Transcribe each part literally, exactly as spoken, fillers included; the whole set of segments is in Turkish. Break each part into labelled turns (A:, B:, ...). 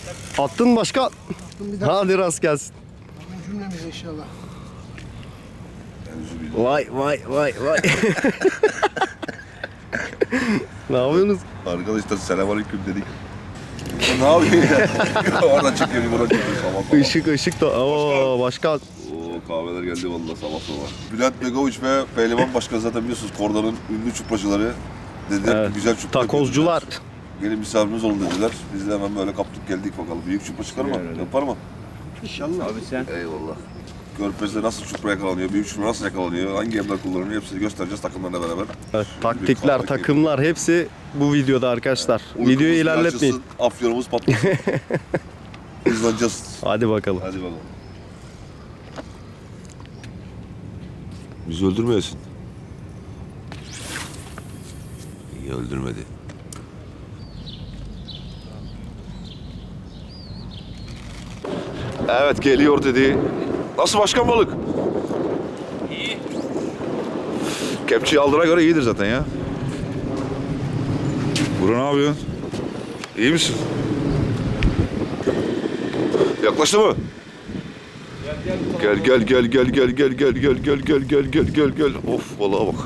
A: Attın başka.
B: Attım bir daha.
A: Hadi rast gelsin.
B: Cümlemiz inşallah.
A: Vay vay vay vay. Ne yapıyorsunuz?
C: Arkadaşlar selamünaleyküm dedik. Ne yapıyorsun ya? Oradan çekiyor, buradan çekiyor sabah sabah.
A: Işık ışık da. Oo başkan.
C: Oo kahveler geldi vallahi sabah sabah. Bülent Begoviç ve Pehlivan Başkan zaten biliyorsunuz Korda'nın ünlü çupracıları. Dediler
A: Evet.
C: ki güzel çupra
A: Takozcular.
C: dediler. Gelin misafirimiz olun dediler. Biz de hemen böyle kaptık geldik bakalım. Büyük çupra çıkar mı? Yapar mı?
B: İnşallah.
D: Abi sen.
C: Eyvallah. Körfez'de nasıl çupra yakalanıyor, büyük çupra nasıl yakalanıyor, hangi emler kullanılıyor hepsini göstereceğiz takımlarla beraber.
A: Evet, taktikler, takımlar hepsi bu videoda arkadaşlar.
C: Uykumuz
A: Videoyu
C: bir
A: ilerletmeyin.
C: açılsın, afyonumuz patlasın. Hızlanacağız.
A: Hadi bakalım.
C: Hadi bakalım. Bizi öldürmeyesin. İyi öldürmedi. Evet geliyor dedi. Nasıl başkan balık?
D: İyi.
C: Kepçeyi aldığına göre iyidir zaten ya. Buru ne yapıyorsun? İyi misin? Yaklaştı mı? Gel gel gel gel gel gel gel gel gel gel gel gel gel gel. Of vallahi bak.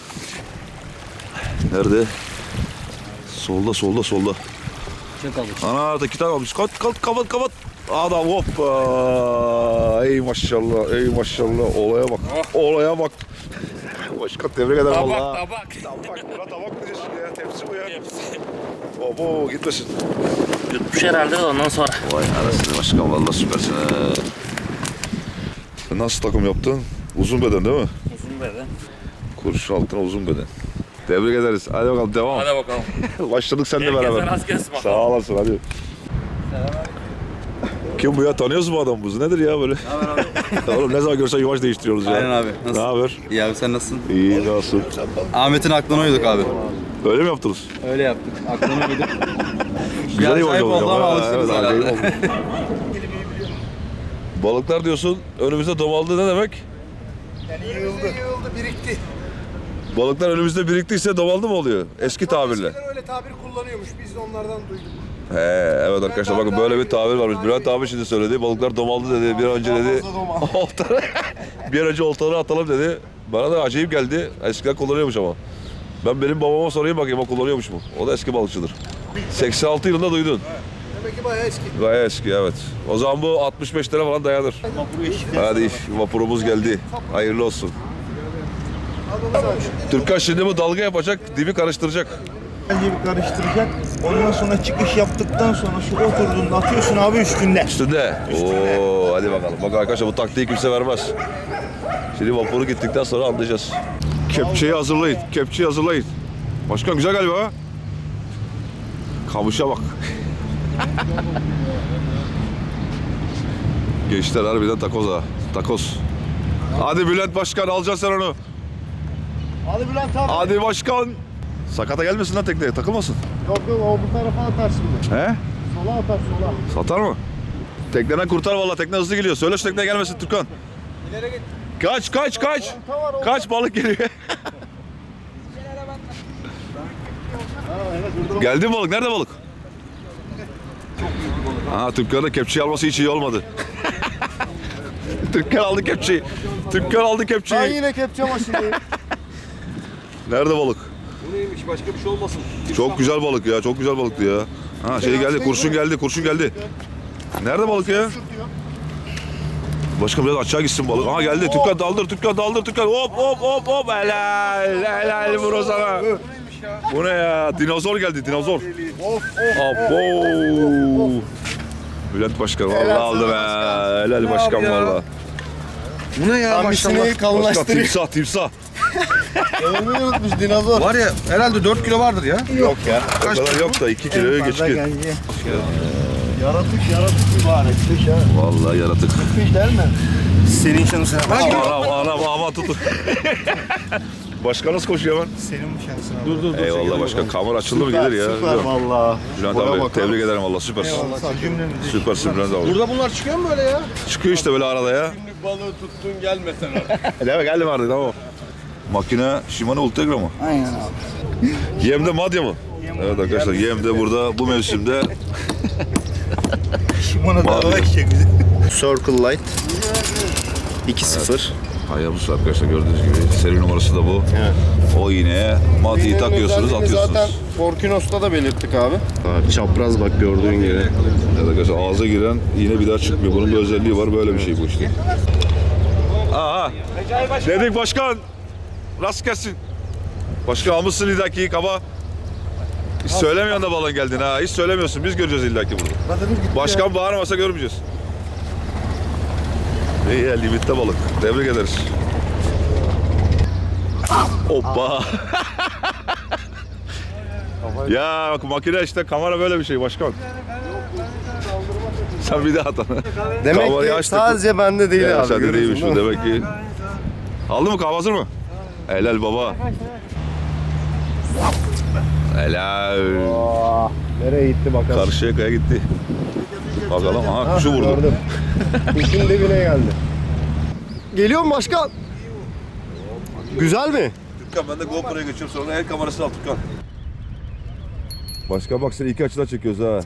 C: Nerede? Solda solda solda.
D: Çok alış.
C: Ana da kitap almış. Kat kat kapat kapat. Adam hoppa. Ey maşallah ey maşallah. Olaya bak. Olaya bak. Başkan tebrik ederim
D: Tabak
C: valla.
D: tabak.
C: Tabak. Buna tabak diyorsun ya. Tepsi bu ya. Obo gitmesin.
D: Yutmuş herhalde de ondan sonra.
C: Vay anasını başkan valla süpersin ha. Nasıl takım yaptın? Uzun beden değil mi?
D: Uzun beden.
C: Kurşun altına uzun beden. Tebrik ederiz. Hadi bakalım devam.
D: Hadi bakalım.
C: Başladık seninle
D: Herkese
C: beraber.
D: rast gelsin bakalım.
C: Sağ olasın hadi. Kim bu ya? Tanıyoruz mu adam bu? Nedir ya böyle?
E: Ne haber abi?
C: Oğlum ne zaman görsen yuvaç değiştiriyoruz ya.
E: Aynen abi.
C: Ne
E: Nasıl?
C: haber?
E: İyi abi sen nasılsın?
C: İyi nasıl?
E: Ahmet'in aklına uyduk abi.
C: Öyle mi yaptınız?
E: Öyle yaptık. Aklına uyduk.
C: Güzel
E: Bir
C: yuvaç
E: acayip
C: oldu
E: oldu ama
C: Ha,
E: alıştınız
C: evet, acayip
E: herhalde.
C: oldu. Balıklar diyorsun önümüzde domaldı ne demek?
B: Yani yığıldı. Yığıldı, birikti.
C: Balıklar önümüzde biriktiyse domaldı mı oluyor? Eski tabirle.
B: Eskiden öyle tabir kullanıyormuş. Biz de onlardan duyduk.
C: He, evet arkadaşlar bakın böyle bir tabir varmış. Bülent abi şimdi söyledi. Balıklar domaldı dedi. Bir an önce dedi. Oltaları, bir an önce oltaları atalım dedi. Bana da acayip geldi. Eskiden kullanıyormuş ama. Ben benim babama sorayım bakayım o kullanıyormuş mu? O da eski balıkçıdır. seksen altı yılında duydun.
B: Demek ki bayağı eski.
C: Bayağı eski evet. O zaman bu altmış beş lira falan dayanır. Hadi iş, vapurumuz geldi. Hayırlı olsun. Türkan şimdi bu dalga yapacak, dibi karıştıracak.
F: Önce bir karıştıracak. Ondan sonra çıkış yaptıktan sonra şu oturduğunda atıyorsun abi üstünde.
C: Üstünde. Oo, hadi bakalım. Bak arkadaşlar bu taktiği kimse vermez. Şimdi vapuru gittikten sonra anlayacağız. Kepçeyi hazırlayın. Kepçeyi hazırlayın. Başkan güzel galiba ha? Kamışa bak. Gençler harbiden takoz ha. Takoz. Hadi Bülent Başkan alacaksın sen onu.
B: Hadi Bülent abi.
C: Hadi başkan. Sakata gelmesin lan tekneye takılmasın.
B: Yok yok o bu tarafa atar şimdi.
C: He?
B: Sola atar sola.
C: Satar mı? Tekneden kurtar vallahi tekne hızlı geliyor. Söyle şu tekneye gelmesin Türkan.
B: İleri git.
C: Kaç kaç kaç.
B: Olta var olta.
C: Kaç balık geliyor. Geldi mi balık? Nerede balık? Aa Türkan'ın da kepçeyi alması hiç iyi olmadı. Türkan aldı kepçeyi. Türkan aldı
B: Ben
C: kepçeyi.
B: yine kepçe başındayım.
C: Nerede balık?
D: Bu neymiş başka bir şey olmasın.
C: Çok güzel balık ya. Çok güzel balıktı ya. Ha şey geldi. Kurşun geldi. Kurşun geldi. Nerede balık ya? Başka biraz aşağı gitsin balık. Aha geldi. Türkan daldır. Türkan daldır. Türkan. Hop hop hop hop. Helal. Helal bro sana. Bu ne ya? Dinozor geldi. Dinozor. Abo. Bülent Başkan vallahi aldı be. Helal başkan vallahi.
F: Bu ne ya
B: Hamisini
C: Başkan
B: kalınlaştırıyor.
C: timsah timsah.
B: Ölmeyi unutmuş dinozor.
F: Var ya herhalde dört kilo vardır ya.
B: Yok ya.
C: O kadar yok da iki kiloya geçkin.
B: Yaratık yaratık mübarek. Kış ha.
C: Vallahi yaratık.
B: Kış değil mi? Senin şansına.
C: Anam anam aman tutun. Başkan nasıl koşuyor hemen?
F: Senin bu şansına.
B: Dur dur dur.
C: Eyvallah başkan. Kamera açıldı mı gelir ya.
B: Süper valla.
C: Bülent abi tebrik ederim valla süpersin.
F: Cümlemizi.
C: Süpersin Bülent abi.
B: Burada bunlar çıkıyor mu böyle ya?
C: Çıkıyor işte böyle arada ya.
B: Günlük balığı tuttun gelmesen artık.
C: Değil mi? Geldim artık tamam. Makine Shimano Ultegra mı?
F: Aynen abi.
C: Yem'de Madya mı? Evet arkadaşlar Yem'de burada bu mevsimde
F: Şimona
C: Mavi.
F: dağına gidecek bizi.
A: Circle Light. iki sıfır.
C: Hayabusa arkadaşlar gördüğünüz gibi. Seri numarası da bu. O iğneye matiyi takıyorsunuz, atıyorsunuz.
A: Zaten Forkinos'ta da belirttik abi. Ha, çapraz bak gördüğün gibi.
C: Evet arkadaşlar ağza giren iğne bir daha çıkmıyor. Bunun bir özelliği var. Böyle bir şey bu işte. Aha. Dedik başkan. Rast gelsin. Başkan almışsın illaki kaba. Hiç söylemiyorsun da balon geldin ha. Hiç söylemiyorsun. Biz göreceğiz illaki burada. Başkan bağırmasa görmeyeceğiz. İyi ya, limitte balık. Tebrik ederiz. Hoppa. Ya bak makine işte, kamera böyle bir şey başkan. Sen bir daha at.
A: Demek
C: Kamerayı
A: ki
C: açtık.
A: sadece bende değil
C: Ya
A: abi.
C: sende
A: görüyorsun
C: değilmiş bu
A: değil mi?
C: demek ki. Aldın mı, kahve hazır mı? Helal baba. Helal.
A: Nereye gitti bakalım.
C: Karşıya kaya gitti. Bakalım, aha kuşu vurdu.
A: Gördüm. Kuşun dibine geldi. Geliyor mu başkan? Güzel mi?
C: Türkan ben de GoPro'ya geçiyorum, sonra el kamerasını al Türkan. Başka bak seni iki açıdan çekiyoruz ha.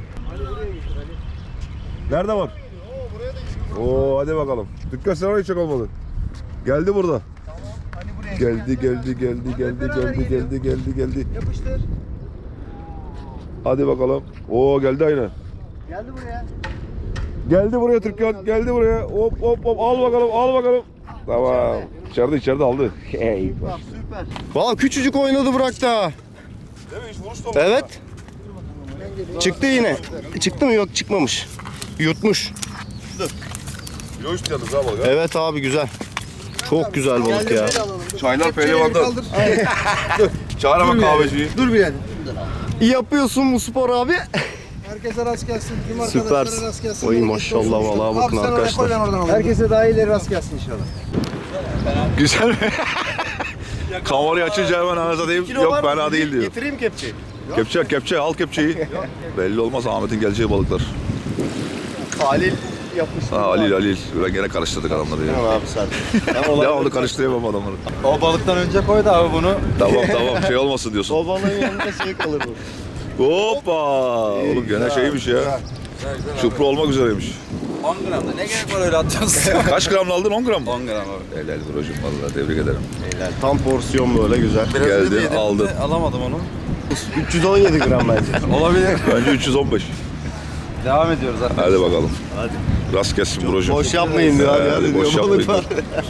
C: Nerede var? Oo hadi bakalım. Türkan sen orayı çek olmalı. Geldi burada. Geldi geldi geldi geldi geldi geldi geldi geldi.
F: Yapıştır.
C: Hadi bakalım. Oo geldi aynı.
F: Geldi buraya.
C: Geldi buraya Türkan, geldi buraya. Hop hop hop, al bakalım, al bakalım. Tamam. İçeride içeride aldı. Hey.
F: Süper.
A: Valla küçücük oynadı bıraktı ha.
C: Değil mi? Hiç vuruş da
A: Evet. Çıktı yine. Çıktı mı? Yok çıkmamış. Yutmuş.
C: Yoğuş yalnız ha balık.
A: Evet abi güzel. Çok güzel balık ya.
C: Çaylar pehlivandan. Çağır hemen kahveciyi.
F: Dur bir yani.
A: İyi yapıyorsun bu spor abi.
F: Herkese rast gelsin. Tüm
A: Süpersin.
F: arkadaşlara rast gelsin.
A: Oy
F: Bereketli
A: maşallah
F: olsun.
A: vallahi bakın
F: Abi sen oraya
A: arkadaşlar.
F: koy, ben oradan alayım. Herkese daha iyileri rast gelsin inşallah.
C: Güzel mi? Kamerayı açınca hemen anasını diyeyim. Yok fena değil diyor.
A: Getireyim kepçeyi.
C: Kepçe, kepçe, al kepçeyi. Belli olmaz Ahmet'in geleceği balıklar.
A: Halil yapmıştı.
C: Ha Halil, Halil. Böyle gene karıştırdık adamları ya.
A: Tamam abi sen.
C: Ya onu karıştıramam adamları.
E: O balıktan önce koydu abi bunu.
C: Tamam tamam, şey olmasın diyorsun.
A: O balığın yanında şey kalır bu.
C: Hoppa! Oğlum gene şeymiş ya. Çupra olmak üzereymiş.
E: on gramda ne gerek var öyle atacağız?
C: Kaç gramla aldın? on gram mı?
E: on gram abi.
C: Helal brocum vallahi, tebrik ederim.
A: Tam porsiyon böyle güzel.
E: Biraz
C: Geldi,
E: önce yedim de
C: aldım.
E: Alamadım onu.
A: üç yüz on yedi gram bence.
E: Olabilir.
C: Bence üç yüz on beş.
E: Devam ediyoruz arkadaşlar.
C: Hadi bakalım. Hadi. Rast gelsin brocum.
A: Boş yapmayın diyor abi.
C: Hadi,
A: Hadi
C: boş
A: diyor,
C: yapmayın.
A: balık var.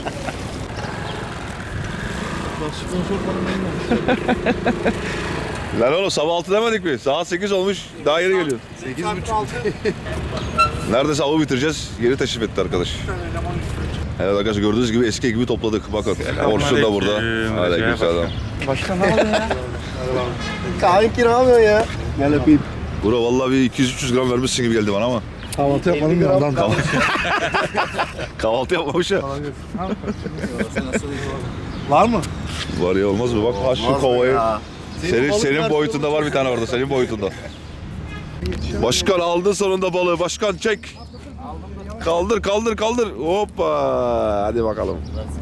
C: Lan oğlum sabah altı demedik mi? Saat sekiz olmuş. Daha yeni geliyor.
A: sekiz buçuk.
C: Neredeyse avı bitireceğiz. Geri teşrif etti arkadaş. Evet arkadaşlar gördüğünüz gibi eski gibi topladık. Bakın Orçun da burada. Aleykümselam.
F: Başkan ne oldu ya?
A: Kanki ne yapıyorsun ya? Gel öpeyim.
C: Bura vallahi bir iki yüz üç yüz gram vermişsin gibi geldi bana ama.
F: Kahvaltı yapmadım ya ondan.
C: Kahvaltı yapmamış ya.
F: Var mı?
C: Var ya, olmaz mı? Bak ha şu
A: Olmaz mı
C: kovayı.
A: ya?
C: Senin,
A: balık
C: senin
A: nerede
C: boyutunda var bir tane orada. Senin boyutunda. Başkan aldın sonunda balığı. Başkan çek. Kaldır kaldır kaldır. Hoppa. Hadi bakalım.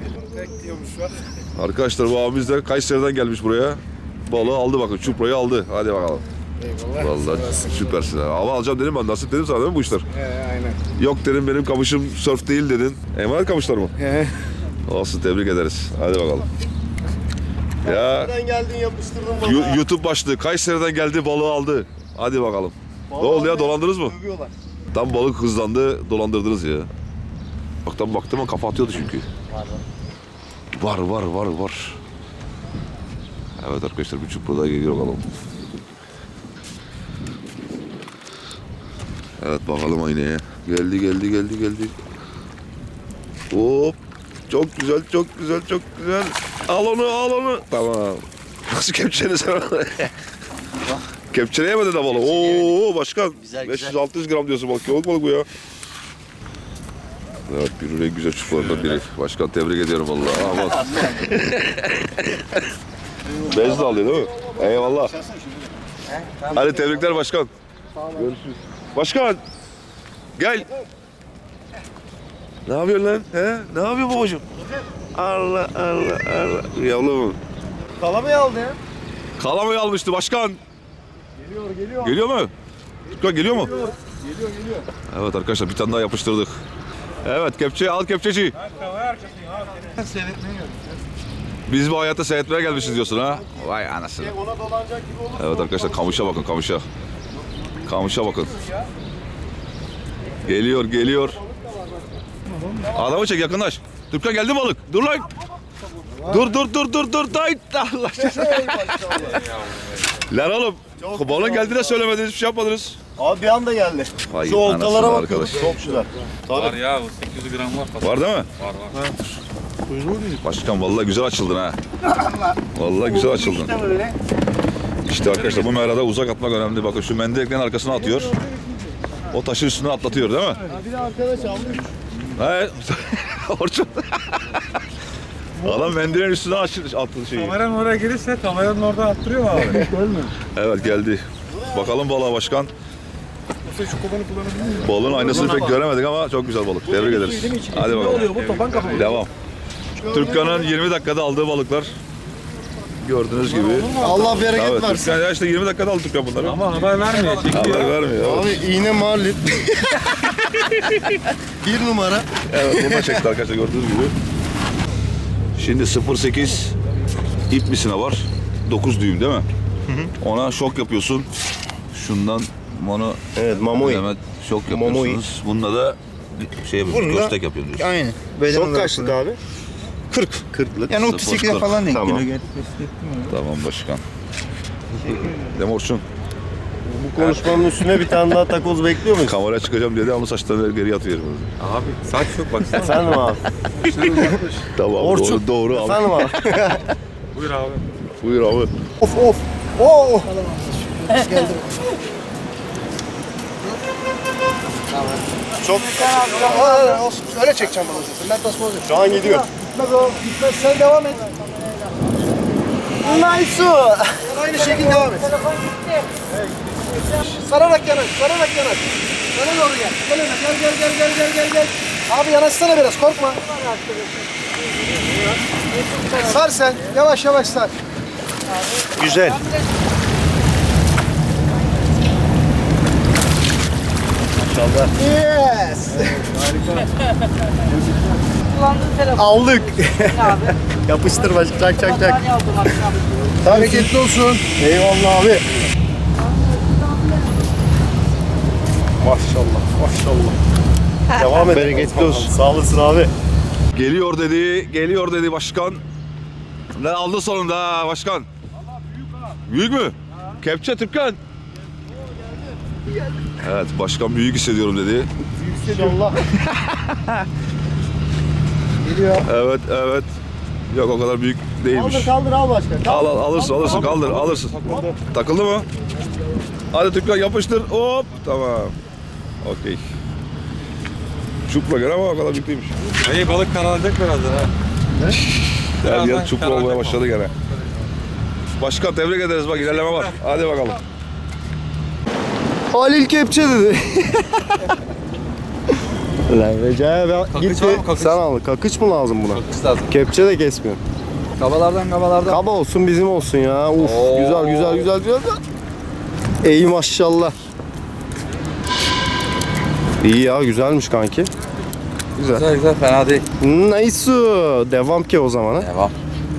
C: Arkadaşlar bu abimiz de Kayseri'den gelmiş buraya. Balığı aldı bakın. Çuprayı aldı. Hadi bakalım. Vallahi süpersin. Ama alacağım dedim ben. Nasip dedim sana değil mi bu işler?
F: He aynen.
C: Yok dedim, benim kamışım sörf değil dedin. Emanet kamışlar mı?
F: He.
C: Olsun, tebrik ederiz. Hadi bakalım. Ya
A: Nereden geldin yapıştırdın
C: Yu-
A: balığı.
C: YouTube başlığı. Kayseri'den geldi, balığı aldı. Hadi bakalım. Ne oldu ya, dolandınız mı?
A: Övüyorlar.
C: Tam balık hızlandı, dolandırdınız ya. Bak tam baktım ama kafa atıyordu çünkü. Var var var var. Evet arkadaşlar, bir çupra daha geliyor bakalım. Evet bakalım aynaya. Geldi geldi geldi geldi. Hop. Çok güzel çok güzel çok güzel. Al onu al onu. Tamam. Nasıl kepçeni sen? Kepçeleyemedin de balığı. Oo başkan. beş yüz altı yüz gram diyorsun, bak yok balık bu ya. Evet, bir en güzel çukurlarından biri. Başkan tebrik ediyorum vallahi. Aman. Bez de alıyor değil mi? Eyvallah. Hadi tebrikler başkan. Görüşürüz. Başkan. Gel. Ne yapıyorsun lan? He? Ne yapıyorsun babacığım? Allah Allah Allah. Yavrum.
F: Kalamayı aldı ya.
C: Kalamayı almıştı başkan.
F: Geliyor geliyor.
C: Geliyor mu? Tutkan geliyor mu? Evet arkadaşlar bir tane daha yapıştırdık. Evet kepçe al kepçeci. Biz bu hayata seyretmeye gelmişiz diyorsun ha. Vay anasını. Evet arkadaşlar kamışa bakın kamışa. Kamışa bakın. Geliyor geliyor. Adamı çek yakınlaş. Türkan geldi balık. Dur lan. Dur dur dur dur dur. Day. Allah Lan oğlum. Balığın geldiğine söylemediniz, bir şey yapmadınız.
B: Abi bir anda geldi.
C: Vay
B: Şu oltalara
C: anasını
B: bak.
C: arkadaş.
B: Çok güzel.
E: Var ya sekiz yüz gram var.
C: Var değil mi?
E: Var var.
C: Başkan vallahi güzel açıldın ha. Vallahi güzel açıldın. İşte arkadaşlar bu merada uzak atmak önemli. Bakın şu mendileklerin arkasına atıyor. O taşın üstüne atlatıyor değil mi?
B: Bir de arkadaş almış.
C: Evet. Orçun. Adam mendilin üstüne attı şeyi.
E: Kameranın oraya gelirse kameranın orada attırıyor mu abi?
C: Evet geldi. Bakalım balığa başkan. Balığın aynasını pek göremedik ama çok güzel balık. Tebrik ederiz. Hadi bakalım. Devam. Türkan'ın yirmi dakikada aldığı balıklar. Gördüğünüz gibi.
B: Allah bereket
C: Evet,
B: versin.
C: Türkan ya işte yirmi dakikada aldı Türkan bunları.
E: Ama haber vermiyor. Çekiyor.
C: Haber vermiyor.
B: Abi iğne marlit. Bir numara.
C: Evet bunu da çekti arkadaşlar gördüğünüz gibi. Şimdi sıfır sekiz ip misine var. dokuz düğüm değil mi? Ona şok yapıyorsun. Şundan bunu
B: Evet mamoi.
C: hemen şok yapıyorsunuz. Bununla da şey yapıyorsun,
F: Bununla-
C: köstek yapıyorsun.
F: Aynen.
B: Çok kaçlık abi?
F: kırk.
B: kırklık.
F: Yani otuz sekize falan denk
B: Tamam.
F: geliyor.
C: Tamam başkan. Değil mi Orçun?
B: Bu konuşmanın üstüne bir tane daha takoz bekliyor muyuz?
C: Kameraya çıkacağım dedi ama saçlarını geri atıyor.
E: Abi saç yok baksana.
B: Efendim abi.
C: Tamam
B: Orçun.
C: doğru, doğru al.
B: Efendim abi.
E: Buyur abi.
C: Buyur abi.
B: Of of. Oo. Çok
G: Aa, olsun. Öyle çekeceğim bunu. Ben tasma olacak.
B: şu an gidiyor.
G: Gitmez o. Gitmez. Sen devam et.
B: Nice.
G: Aynı şekilde devam et. Sararak yanaş. Sararak yanaş. Bana doğru gel. Gel öne. Gel gel gel gel gel gel gel. Abi yanaşsana biraz. Korkma. Sar sen. Yavaş yavaş sar.
B: Güzel. Maşallah.
G: Yes.
B: Aldık. Yapıştır baş. Çak çak çak.
G: Hareketli olsun.
B: Eyvallah abi. Maşallah. Maşallah. Devam et. Bereketli olsun. Sağ olasın abi.
C: Geliyor dedi, geliyor dedi başkan. Ne aldı sonunda ha başkan? Büyük mü? Kepçe Türkan. Evet başkan büyük hissediyorum dedi.
B: İnşallah.
G: Geliyor.
C: Evet evet. Yok o kadar büyük değilmiş.
B: Kaldır kaldır al başkan.
C: Al al alırsın alırsın kaldır alırsın. Takıldı mı? Hadi Türkan yapıştır. Hop tamam. Okey. Çupra gene ama o kadar büyük değilmiş.
E: İyi balık kanalayacak birazdan ha.
C: Her yer
E: Birazdan
C: çupra
E: karar
C: olmaya
E: yapalım.
C: başladı gene. Başkan tebrik ederiz bak ilerleme var. Hadi bakalım.
B: Halil Kepçe dedi. Lan Recai ben
E: Kakıç
B: gitti.
E: var mı, kakıç?
B: Sen al. Kakıç mı lazım buna?
E: Kız lazım.
B: Kepçe de kesmiyor.
E: Kabalardan kabalardan.
B: Kaba olsun bizim olsun ya. Uf güzel güzel güzel güzel. Ey maşallah. İyi ya güzelmiş kanki.
E: Güzel güzel fena değil.
B: Nice. Devam ki o zaman ha.
E: Devam.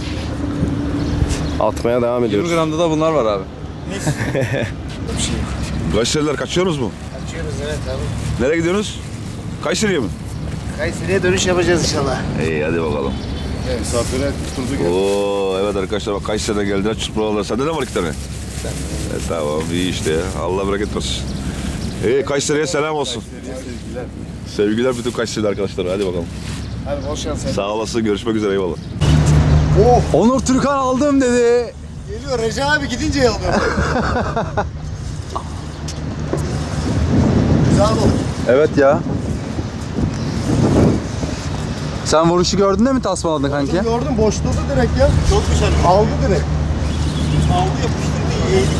B: Atmaya devam
E: yirmi
B: ediyoruz.
E: gramda da bunlar var abi.
C: Kayseriler kaçıyorsunuz mu?
G: Kaçıyoruz evet abi.
C: Nereye gidiyorsunuz? Kayseri'ye mi?
G: Kayseri'ye dönüş yapacağız inşallah.
C: İyi hadi bakalım.
B: Misafire tuturduk.
C: Oo evet arkadaşlar bak Kayseri'de geldiler çupralar. Sende de var iki tane. E, tamam iyi işte ya. Allah bereket versin. İyi Kayseri'ye selam olsun. Sevgiler. Sevgiler bütün Kayseri'li arkadaşlar. Hadi bakalım.
G: Hadi bol şans.
C: Sağ olasın. Görüşmek üzere. Eyvallah.
E: Onur Türkan aldım dedi.
G: Geliyor Recep abi gidince yalıyor. Güzel oldu.
E: Evet ya. Sen vuruşu gördün de mi tasmaladın kanki?
G: Gördüm boşladı direkt ya. Çok güzel. Aldı direkt. Aldı yapıştırdı. İyi.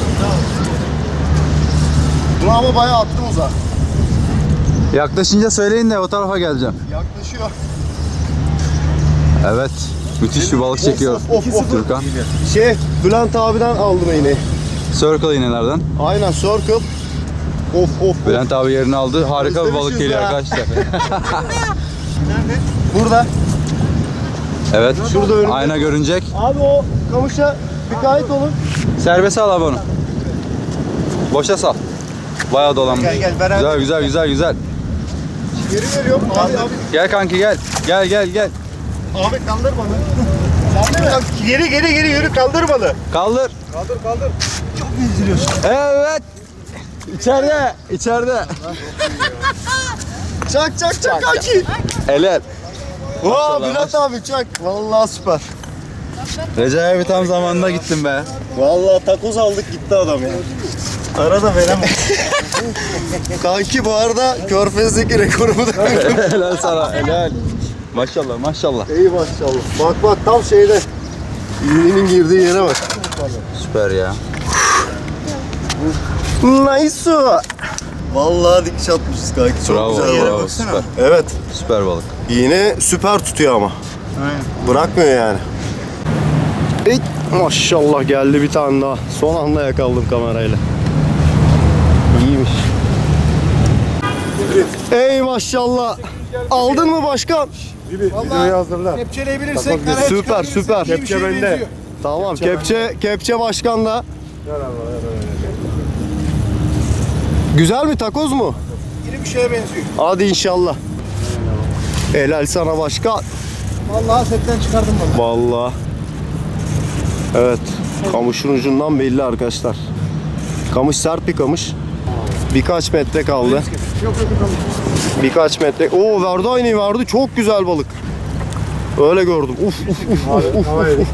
G: Bunu ama bayağı attım uzağa.
E: Yaklaşınca söyleyin de o tarafa geleceğim.
G: Yaklaşıyor.
E: Evet. Müthiş bir balık çekiyor
G: Of, of, of.
E: Türkan.
B: Şey Bülent abiden aldım iğneyi.
E: Circle iğnelerden.
B: Aynen circle. Of of.
E: Bülent abi yerini aldı. Harika bir balık geliyor
B: ha.
E: arkadaşlar.
B: Burada.
E: Evet.
B: Şurada önümde.
E: Ayna görünecek.
B: Abi o kamışa dikkat olun.
E: Serbest al abi onu. Boşa sal. Bayağı dolanmış.
B: Gel, gel, beraber.
E: Güzel güzel güzel güzel.
B: Geri veriyorum. Abi abi.
E: Gel kanki gel. Gel gel gel.
B: Abi kaldır bana. Sen de mi? Geri geri geri yürü kaldır bana.
E: Kaldır.
B: Kaldır kaldır. Çok gezdiriyorsun.
E: Evet. İçeride. içeride.
B: Çak çak çak kanki.
E: Helal.
B: Oo Bülent abi çak. Vallahi süper.
E: Recep abi tam zamanında gittim be.
B: Vallahi takoz aldık gitti adam ya. Arada veremem. Kanki bu arada Körfez'deki rekorumu da kırdım.
E: Helal sana. Helal. Maşallah maşallah.
B: İyi maşallah. Bak bak tam şeyde. İğnenin girdiği yere bak.
E: Süper ya.
B: Nice. Vallahi dikiş atmışız kanki. Çok
E: Bravo,
B: güzel yere
E: bravo,
B: baksana.
E: süper.
B: Evet.
E: Süper balık.
B: İğne süper tutuyor ama.
F: Aynen.
B: Bırakmıyor yani. Ey, maşallah geldi bir tane daha. Son anda yakaladım kamerayla. İyiymiş. Ey maşallah. Aldın mı başkan?
F: Videoyu hazırla.
G: Kepçeleyebilirsek
B: Süper süper.
F: Kepçe bende.
B: Tamam kepçe kepçe başkan da. Güzel mi takoz mu?
G: İri bir şeye benziyor.
B: Hadi inşallah. Helal sana başkan.
G: Vallahi setten çıkardım vallahi.
B: Vallahi. Evet. Kamışın ucundan belli arkadaşlar. Kamış sert bir kamış. Birkaç metre kaldı.
G: Yok yok yok.
B: Birkaç metre. Oo verdi aynı verdi. Çok güzel balık. Öyle gördüm. Uf uf uf uf uf. uf.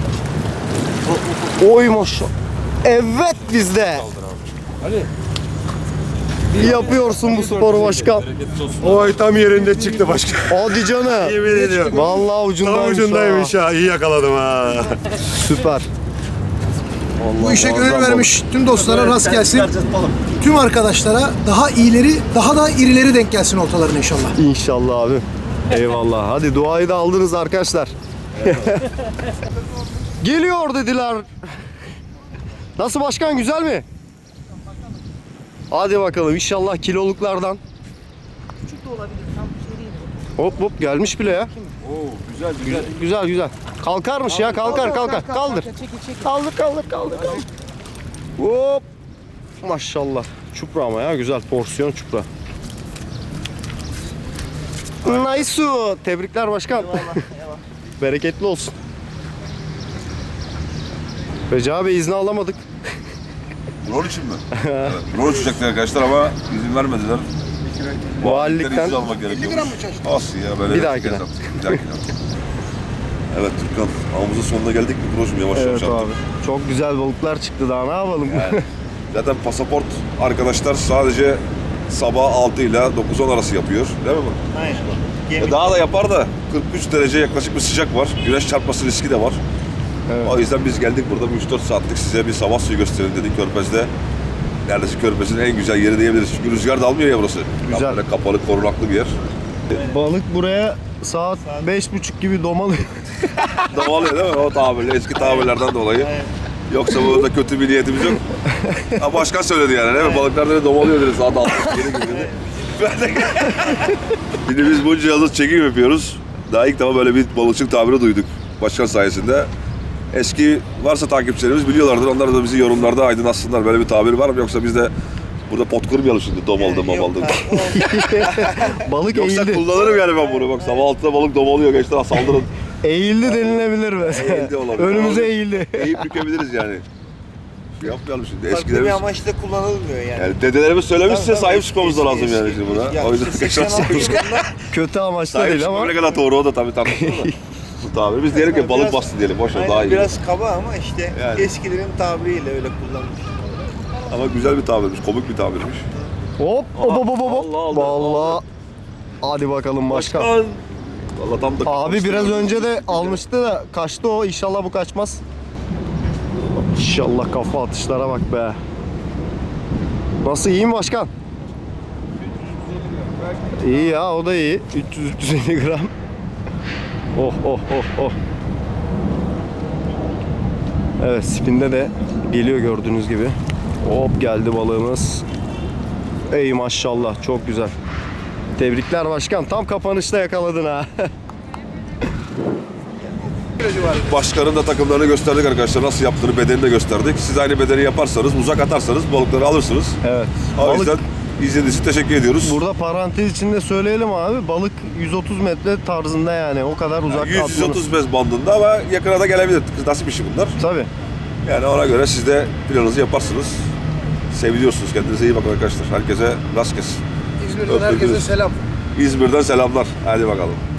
B: Oy maşallah. Evet bizde. İyi yapıyorsun bu sporu başkan.
F: Oy tam yerinde çıktı başka.
B: Hadi canım.
F: Yemin ediyorum.
B: Vallahi ucundaymış.
F: Tam ucundaymış ha. İyi yakaladım ha.
B: Süper.
G: Bu işe gönül
B: muazzam
G: vermiş tüm dostlara rast gelsin. Tüm arkadaşlara daha iyileri, daha da irileri denk gelsin ortalarına inşallah.
B: İnşallah abi. Eyvallah. Hadi duayı da aldınız arkadaşlar. Geliyor dediler. Nasıl başkan, güzel mi? Hadi bakalım inşallah kiloluklardan. Hop hop gelmiş bile ya.
F: Güzel
B: Güzel güzel. güzel. Kalkarmış ya, kalkar kalkar. Kaldır. Kaldır kaldır kaldır kaldır. Hop. Maşallah. Çupra ama ya, güzel porsiyon çupra. Nice. Tebrikler başkan. Bereketli olsun. Recep Bey izni alamadık.
C: Rol için mi? Evet. Rol uçacaktı arkadaşlar ama izin vermediler.
B: Valilikten.
C: izin almak gerekiyor. Aslı ya böyle.
B: Bir dahakine.
C: Bir dahakine. Evet Türkan, avımızın sonuna geldik mi Proşum, yavaş yavaş
B: Evet
C: yaptık.
B: abi. Çok güzel balıklar çıktı, daha ne yapalım?
C: Yani, zaten pasaport arkadaşlar sadece sabah altı ile dokuz on arası yapıyor. Değil mi bu?
F: Aynen.
C: E daha da yapar da kırk üç derece yaklaşık bir sıcak var. Güneş çarpması riski de var.
B: Evet.
C: O yüzden biz geldik burada üç dört saatlik size bir sabah suyu gösterelim dedik Körfez'de. Neredeyse Körfez'in en güzel yeri diyebiliriz. Çünkü rüzgar da almıyor ya burası.
B: Güzel.
C: Böyle kapalı, korunaklı bir yer.
B: Balık buraya saat beş buçuk gibi domalıyor.
C: Davalıyor değil mi? O tabirle, eski tabirlerden dolayı. Yoksa burada kötü bir niyetimiz yok. Ha, başkan söyledi yani değil mi? Balıklar dedi domalıyor dedi saat altı. Geri gibi dedi. Ben de... Bir de biz bunca yıldır çekim yapıyoruz. Daha ilk defa böyle bir balıkçılık tabiri duyduk başkan sayesinde. Eski varsa takipçilerimiz biliyorlardır. Onlar da bizi yorumlarda aydınlatsınlar. Böyle bir tabir var mı? Yoksa biz de burada pot kırmayalım şimdi. Domaldım, mamaldım.
B: Balık
C: Yoksa
B: eğildi.
C: kullanırım yani ben bunu. Bak sabah altıda balık domalıyor gençler, saldırın.
B: Eğildi denilebilir mesela.
C: Eğildi olabilir.
B: Önümüze eğildi.
C: Eğip bükebiliriz yani. Yapmayalım şimdi.
F: Farklı bir
C: Eskilerimiz,
F: amaçla kullanılmıyor yani.
C: yani dedelerimiz söylemişse
F: Tabii, tabii.
C: sahip çıkmamız da lazım
F: Eski,
C: yani
F: eski.
C: şimdi buna.
F: Ya
C: O yüzden
F: işte
C: tekrar
F: seksen altı
C: sahip
F: yılında
B: Kötü amaçlı
C: Sahip
B: değil ama.
C: çıkmam ne kadar doğru o da tabii tartışılır da. Bu tabiri. Biz diyelim ki balık
F: Biraz-
C: bastı diyelim. Boş ver
F: aynen,
C: daha iyi.
F: biraz kaba ama işte
C: Yani.
F: eskilerin tabiriyle öyle kullanmış.
C: Ama güzel bir tabirmiş. Komik bir tabirmiş.
B: Hop hop hop hop hop.
C: Allah Allah.
B: Vallahi. Hadi bakalım başkan.
C: Valla tam da
B: Abi biraz önce de almıştı da kaçtı o. İnşallah bu kaçmaz. İnşallah, kafa atışlara bak be. Nasıl, iyi mi başkan? İyi ya, o da iyi. üç yüz üç yüz elli gram. Oh oh oh oh. Evet, spinde de geliyor gördüğünüz gibi. Hop geldi balığımız. Ey maşallah, çok güzel. Tebrikler başkan. Tam kapanışta yakaladın ha.
C: Başkanın da takımlarını gösterdik arkadaşlar. Nasıl yaptığını, bedenini de gösterdik. Siz aynı bedeni yaparsanız, uzak atarsanız balıkları alırsınız.
B: Evet.
C: O
B: Balık,
C: yüzden izlediğiniz için teşekkür ediyoruz.
B: burada parantez içinde söyleyelim abi. Balık yüz otuz metre tarzında yani. O kadar uzak
C: yüz
B: atmanız.
C: otuz beş bandında ama yakına da gelebilir. Nasip işi bunlar.
B: Tabii.
C: Yani ona göre siz de planınızı yaparsınız. Seviliyorsunuz. Kendinize iyi bakın arkadaşlar. Herkese rast gelsin.
G: İzmir'den herkese selam.
C: İzmir'den selamlar. Hadi bakalım.